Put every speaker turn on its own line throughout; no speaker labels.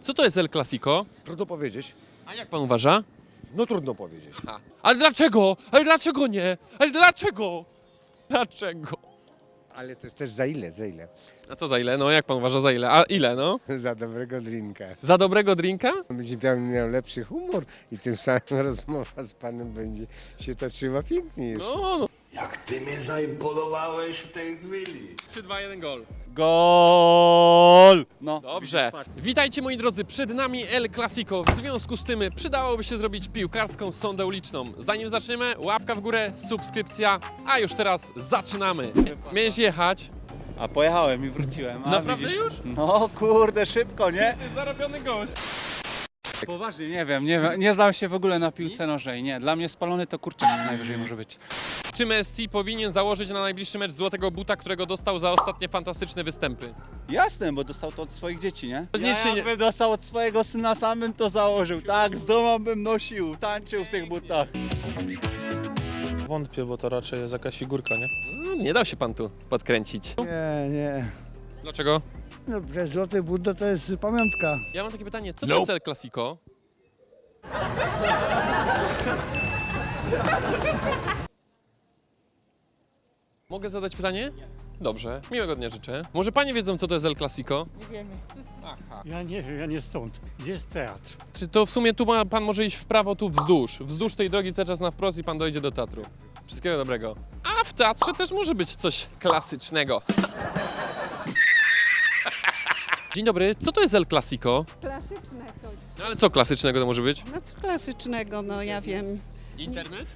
Co to jest El Clasico?
Trudno powiedzieć.
A jak pan uważa?
No trudno powiedzieć.
Aha. Ale dlaczego? Ale dlaczego nie? Ale dlaczego? Dlaczego?
Ale to jest też za ile, za ile?
A co za ile? No jak pan uważa za ile? A ile no?
Za dobrego drinka.
Za dobrego drinka?
Będzie miał lepszy humor i tym samym rozmowa z panem będzie się toczyła pięknie jeszcze.
No.
Jak ty mnie zaimponowałeś w tej chwili.
3, 2, 1, gol.
Gol! No.
Dobrze. Witajcie moi drodzy, przed nami El Clasico. W związku z tym przydałoby się zrobić piłkarską sondę uliczną. Zanim zaczniemy, łapka w górę, subskrypcja, a już teraz zaczynamy. Miałeś jechać?
A pojechałem i wróciłem. A,
Naprawdę
widzisz?
już?
No kurde, szybko, nie?
Ty zarobiony gość.
Poważnie, nie wiem, nie znam się w ogóle na piłce nożnej, nie. Dla mnie spalony to kurczak co najwyżej może być.
Czy Messi powinien założyć na najbliższy mecz złotego buta, którego dostał za ostatnie fantastyczne występy?
Jasne, bo dostał to od swoich dzieci, nie?
Nic się nie-
Jakby dostał od swojego syna samym to założył. Tak, z domu bym nosił, tańczył w tych butach.
Wątpię, bo to raczej jest jakaś figurka, nie?
No, nie dał się pan tu podkręcić.
Nie.
Dlaczego?
No, przecież Złoty Budda to jest pamiątka.
Ja mam takie pytanie, co to jest El Clasico? Mogę zadać pytanie? Dobrze, miłego dnia życzę. Może panie wiedzą, co to jest El Clasico?
Ja nie wiem, ja nie stąd. Gdzie jest teatr?
Czy to w sumie tu pan może iść w prawo, tu wzdłuż. Wzdłuż tej drogi cały czas na wprost i pan dojdzie do teatru. Wszystkiego dobrego. A w teatrze też może być coś klasycznego. Dzień dobry, co to jest El Clasico?
Klasyczne coś.
No ale co klasycznego to może być?
No co klasycznego, no ja wiem.
Internet?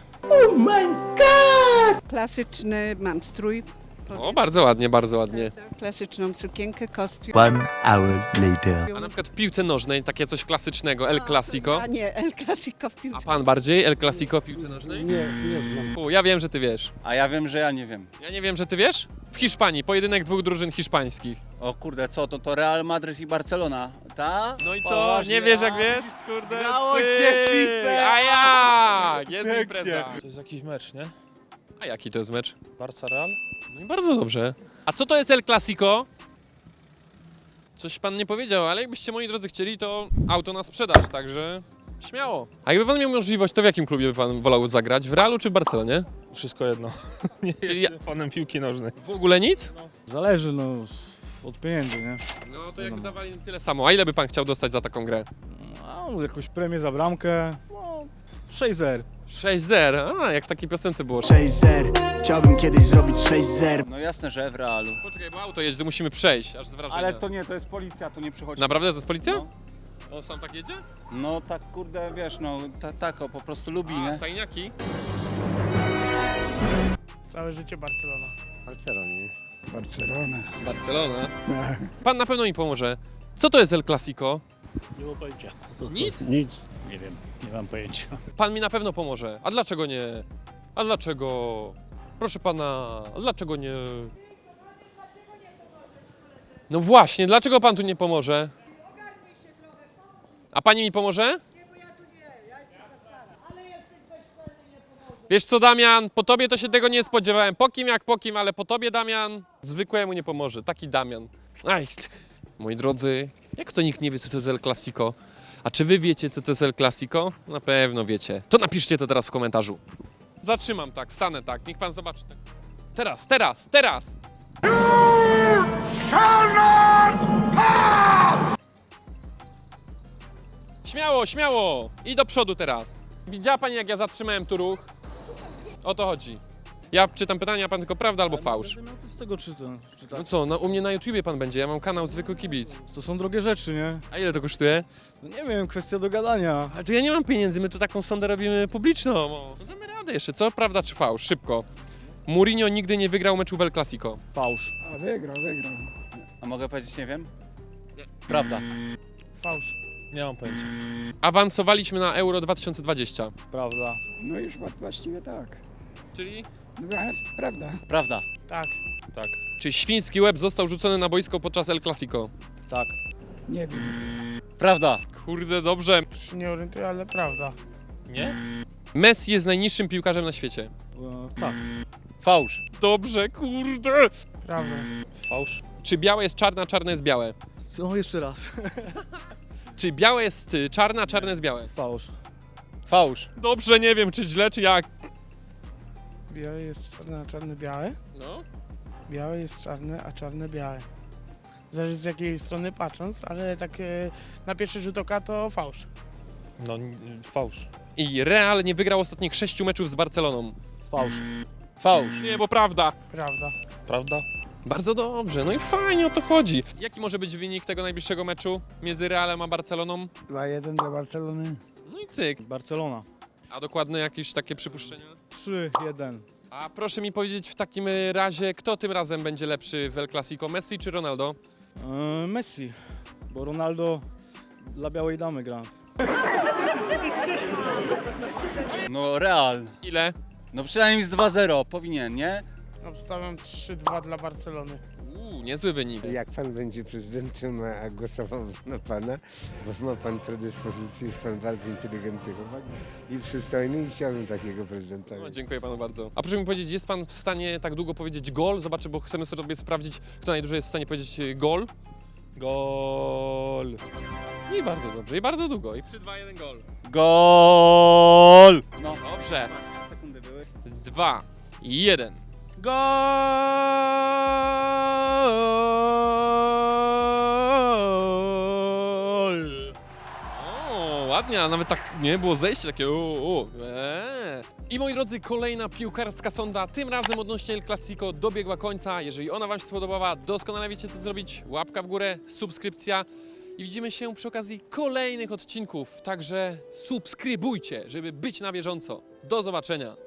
Klasyczny mam strój.
O, bardzo ładnie, bardzo ładnie.
Klasyczną sukienkę, kostium.
1 hour later.
A na przykład w piłce nożnej takie coś klasycznego, El Clasico.
A nie, El Clasico w
A
piłce.
pan bardziej El Clasico w piłce nożnej?
Nie znam.
Ja wiem, że ty wiesz.
A ja wiem, że ja nie wiem.
Ja nie wiem, że ty wiesz? W Hiszpanii, pojedynek dwóch drużyn hiszpańskich.
O kurde, co to Real Madryt i Barcelona, ta?
No i co?
Poważnie,
Nie wiesz jak
a?
wiesz? Kurde,
Grało
cyk.
się w piłkę.
A jak? Jest impreza.
To jest jakiś mecz, nie?
A jaki to jest mecz?
Barca Real?
No i bardzo dobrze. A co to jest El Clasico? Coś pan nie powiedział, ale jakbyście moi drodzy chcieli, to auto na sprzedaż, także śmiało. A jakby pan miał możliwość, to w jakim klubie by pan wolał zagrać? W Realu czy w Barcelonie?
Wszystko jedno. Nie
Czyli
jestem fanem piłki nożnej.
W ogóle nic?
Zależy od pieniędzy, nie?
No to jakby dawali tyle samo. A ile by pan chciał dostać za taką grę?
No, jakąś premię za bramkę. No, 6-0.
6-0. A, jak w takiej piosence było.
6-0. Chciałbym kiedyś zrobić 6-0.
No jasne, że w Realu.
Poczekaj, bo auto jedzie, to musimy przejść, aż z wrażenia.
Ale to nie, to jest policja, to nie przychodzi.
Naprawdę to jest policja?
No.
On sam tak jedzie?
No tak kurde, wiesz, no tak o, po prostu lubi,
A,
nie?
tajniaki?
Całe życie Barcelona.
Barcelonie.
Barcelona.
Barcelona. Pan na pewno mi pomoże. Co to jest El Clasico?
Nie mam pojęcia.
Nic?
Nic. Nie wiem, nie mam pojęcia.
Pan mi na pewno pomoże. A dlaczego nie? A dlaczego? Proszę pana, a dlaczego nie? No właśnie, dlaczego pan tu nie pomoże? A pani mi pomoże? Wiesz co, Damian, po tobie to się tego nie spodziewałem. Po kim jak po kim, ale po tobie, Damian, zwykłemu nie pomoże. Taki Damian. Aj, moi drodzy, jak to nikt nie wie, co to jest El Clasico? A czy wy wiecie, co to jest El Clasico? Na pewno wiecie. To napiszcie to teraz w komentarzu. Zatrzymam tak, stanę tak, niech pan zobaczy. Teraz! Śmiało! I do przodu teraz. Widziała pani, jak ja zatrzymałem tu ruch? O to chodzi. Ja czytam pytania, a pan tylko prawda albo fałsz.
No co z tego czytam?
No co, u mnie na YouTubie pan będzie, ja mam kanał Zwykły Kibic.
To są drogie rzeczy, nie?
A ile to kosztuje?
No nie wiem, kwestia do gadania.
Ale to ja nie mam pieniędzy, my tu taką sondę robimy publiczną. No damy radę jeszcze, co? Prawda czy fałsz? Szybko. Mourinho nigdy nie wygrał meczu w El Clasico.
Fałsz.
A wygrał.
A mogę powiedzieć, nie wiem? Prawda.
Fałsz.
Nie mam pojęcia.
Awansowaliśmy na Euro 2020.
Prawda.
No już właściwie tak.
Czyli?
No prawda.
Prawda.
Tak.
Tak.
Czy świński łeb został rzucony na boisko podczas El Clasico?
Tak.
Nie wiem.
Prawda.
Kurde, dobrze.
Już się nie orientuję, ale prawda.
Nie?
Messi jest najniższym piłkarzem na świecie.
Tak.
Fałsz.
Dobrze, kurde.
Prawda.
Fałsz.
Czy białe jest czarne, a czarne jest białe?
Co? Jeszcze raz.
Czy białe jest czarne, a czarne jest białe?
Fałsz.
Fałsz.
Dobrze, nie wiem, czy źle, czy jak.
Białe jest czarne, a czarne białe?
No.
Białe jest czarne, a czarne białe. Zależy z jakiej strony patrząc, ale tak na pierwszy rzut oka to fałsz.
No, fałsz.
I Real nie wygrał ostatnich 6 meczów z Barceloną.
Fałsz.
Fałsz.
Nie, bo prawda.
Prawda.
Prawda?
Bardzo dobrze, no i fajnie o to chodzi. Jaki może być wynik tego najbliższego meczu między Realem a Barceloną?
2-1 dla Barcelony.
No i cyk.
Barcelona.
A dokładne jakieś takie przypuszczenia?
3-1.
A proszę mi powiedzieć w takim razie, kto tym razem będzie lepszy w El Clasico, Messi czy Ronaldo?
Messi. Bo Ronaldo dla białej damy gra.
No Real.
Ile?
No przynajmniej z 2-0 powinien, nie?
Obstawiam 3-2 dla Barcelony.
Niezły wynik.
Jak pan będzie prezydentem, a głosował na pana, bo ma pan predyspozycję, jest pan bardzo inteligentny chłopak i przystojny i chciałbym takiego prezydenta.
No, dziękuję panu bardzo. A proszę mi powiedzieć, jest pan w stanie tak długo powiedzieć gol? Zobaczę, bo chcemy sobie sprawdzić, kto najdłużej jest w stanie powiedzieć gol.
Gol.
I bardzo dobrze, i bardzo długo. I 3, 2, 1 gol.
Gol! No.
Dobrze.
Sekundy były.
2, 1.
Gol!
O, ładnie, a nawet tak nie było zejście takie I moi drodzy, kolejna piłkarska sonda, tym razem odnośnie El Clasico dobiegła końca. Jeżeli ona wam się spodobała, doskonale wiecie co zrobić. Łapka w górę, subskrypcja i widzimy się przy okazji kolejnych odcinków. Także subskrybujcie, żeby być na bieżąco. Do zobaczenia.